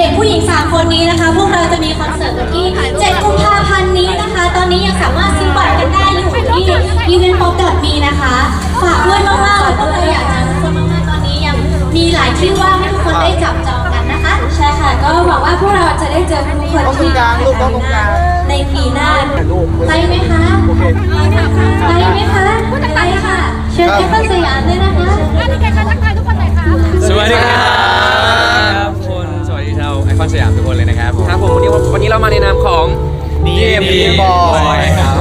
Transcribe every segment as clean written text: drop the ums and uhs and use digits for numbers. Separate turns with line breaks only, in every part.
ด็กผู้หญิง3คนนี้นะคะพวกเราจะมีคอนเสิร์ตวันที่7 กุมภาพันธ์นี้นะคะตอนนี้ยังสามารถซื้อบัตรกันได้อยู่ที่ eventpop.me นะคะฝากด้วยมากๆแล้วก็เราอยากจะทุกคนมากๆตอนนี้ยังมีหลายที่ว่างให้ทุกคนได้จับจองกันนะคะใช่ค่ะก็หวังว่าพวกเราจะได้เจอทุกคนที่ในปีหน้าไปไหมคะไปไหมคะไปค่ะเชิญที่คอนสยามเลยนะคะ
สวัสดีครับคนสวัสดีชาวไอคอนสยามทุกคนเลยนะครับ
ครับผมวันนี้เรามาในนามของ
DMB Boy ครับ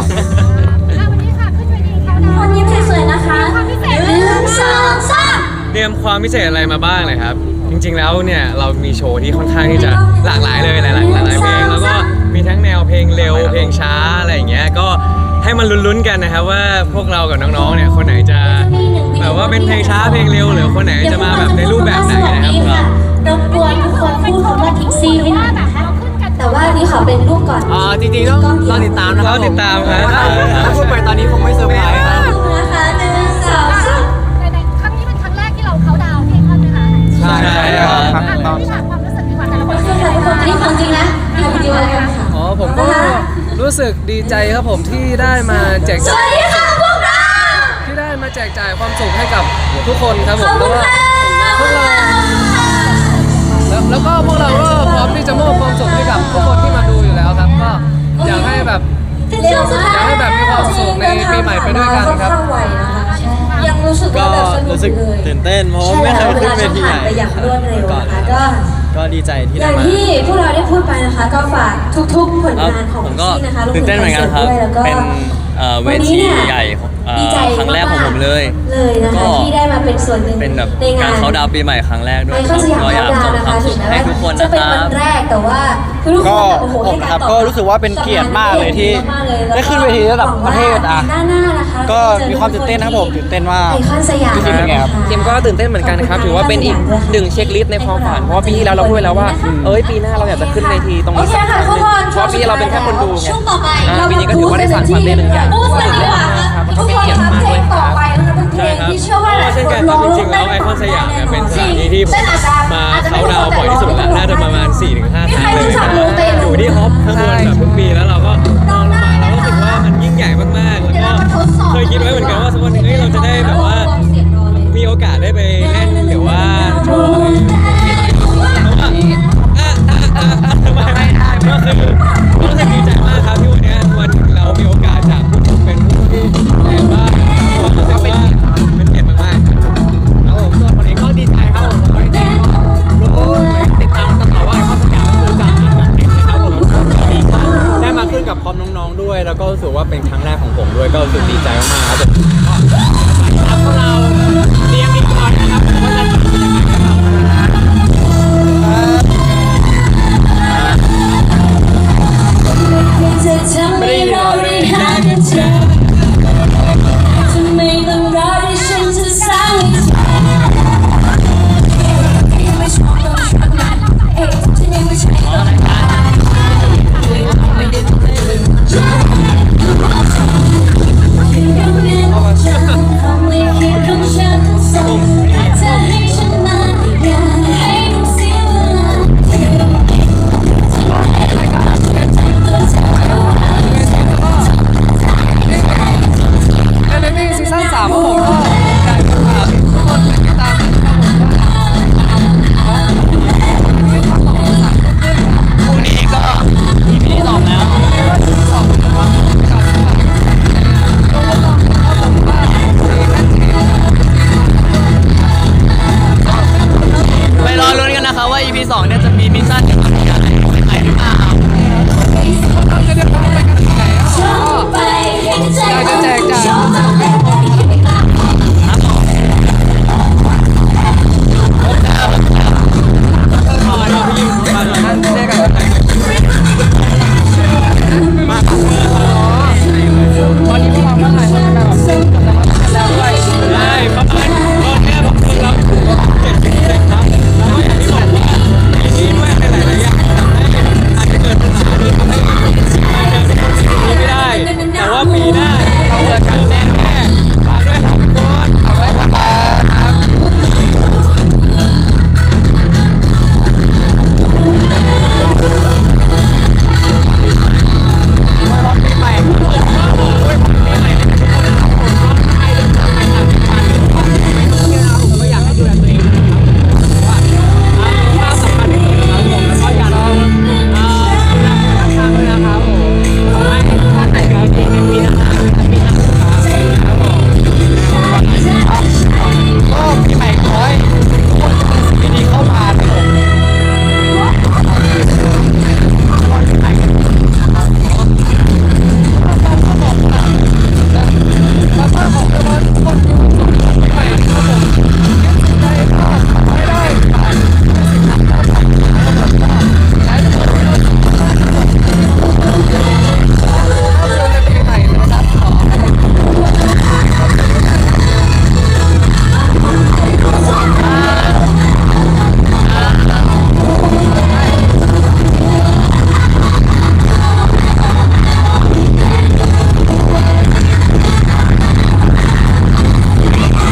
คนยิ้มสวยๆนะคะ1 2 3
เตรียมความพิเศษอะไรมาบ้างเลยครับ จริงๆแล้วเนี่ยเรามีโชว์ที่ค่อนข้างที่จะหลากหลายเลยหลายเพลงแล้วก็มีทั้งแนวเพลงเร็วเพลงช้าอะไรอย่างเงี้ยก็ให้มันลุ้นๆกันนะครับว่าพวกเรากับน้องๆเนี่ยคนไหนจะแบบว่าเป็นเพลงช้าเพลงเร็วหรือคนไหนจะมาแบบในรูปแบบไหนนะครับ
รบกวนทุกคนพูดคำว่าทิกซี่ให้หน่อยนะคะแต่ว่านี่ขอเป็นรูปก่อน
จริงๆต้องรอติดตามนะครับ
รอติดตามครับ
ถ้าพูดไปตอนนี้คงไม่เซอร์ไพรส์ครับ
นะคะ1 2 3
ในครั้งนี้เป็นครั้งแรกที่เราเขาดาวน์ที่ไอคอนนะคะ
ใช่ครับ
ที่ถามความรู้สึกดีกว่าแต่ละคน
ทุกคนอันนี้ของจริงนะดูวิดีโอเลยค่ะ
ผมก็รู้สึกดีใจครับผมที่ได้มาแจก
ส
จ่า
วั
ย
สดีค่ะพวกเรา
ที่ได้มาแจกจ่ายความสุขให้กับทุกคนครับผ
ขอ
ม
บคุณค่ะ
แล้วก็พวกเราก็พร้อมที่จะมอบความสุขให้กับทุกคนที่มาดูอยู่แล้วครับก็อยากให้แบบ อยากให้แบบมีความสุขในปีใหม่ไปด้วยกันครับ
ยังรู้สึกว่าแบบสนุกเลย
ตื่นเต้นเพราะว่าไม่เคยขึ้นเวทีใหญ่
ไปอย่างรวดเร็วนะคะ
ก็ดีใจที่
อ
ได้
ย่าง
มา
ที่พวกเราได้พูดไปนะคะก็ฝากทุกๆผลงานของ
ผมก็
ซี่นะคะ
ตื่นเต้นเหมือนกันครับ
แล้วก็
เป็นเวทีใหญ่ครั้งแรกของผมเลย
เลยนะคะที่ได้มาเป็นส่วนหนึ่ง
เป็นแบบ
ในงาก
าน รเขาดาวน์ปีใหม่ครั้งแรกด้ว
ไอย ค
ค
อน
รับ
สยาม
ก็อยาก
ดาว
ส่ง
นะ
ควา
คะ
ม
ถึ
สุ
ง
ข
แม้
ให้
ว่า
ทุกคน
จะ
นะ
เป็น
ครั
วั
บ
นแรกแต่ว่าทุกคนโอ้โหให้การตอบ
ก็รู้สึกว่าเป็นเกียรติมากเลยที่ได้ขึ้นเวทีระดับประเทศอ่ะ
หน้านะคะ
ก็มีความตื่นเต้นนะครับผมตื่นเต้นมาก
ไอคอนสยาม
พี่คิมเป็นไงครับ
ทีมก็ตื่นเต้นเหมือนกันครับถือว่าเป็นอีกหนึ่งเช็คลิสต์ในความฝันเพราะว่าปีที่แล้วเราพูดไปแล้วว่าปีหน้าเราอยากจะขึ้นเวทีตรง
โอ
นี้
เค
สักค
ค่ะ
รั้งห
ทุ
นึ่
ก
ง
คน
เพราะปีนี้เราเป็นแค่คนดูไง
ช่วงต่อไป
ปีนี้ก็ถือว่าได้สานฝันได้หนึ่งอย่าง
บูสกันดีกว่าครับทุกคนครับเพลงต่อไปนะคะเป็นเพลงที่เชื่อว่าหลาย
เช่น
ค
กัน นค
ร้
รั
อบ ง
จริงๆแล้วไอคอนสยามเนี่ยเป็นสถานที่ที่ผมมาเขาดาวน์บ่อยที่สุดแล้วน่าจะประมาณ 4-5 ครั้งเลยนะครับอยู่ที่ฮอปข้างบนแบบทุกปีแล้วเราก็มองลงมาเราก็รู้สึกว่ามันยิ่งใหญ่มากๆแล้วก็เคยคิดไว้เหมือนกันว่าสักวันหนึ่งเราจะได้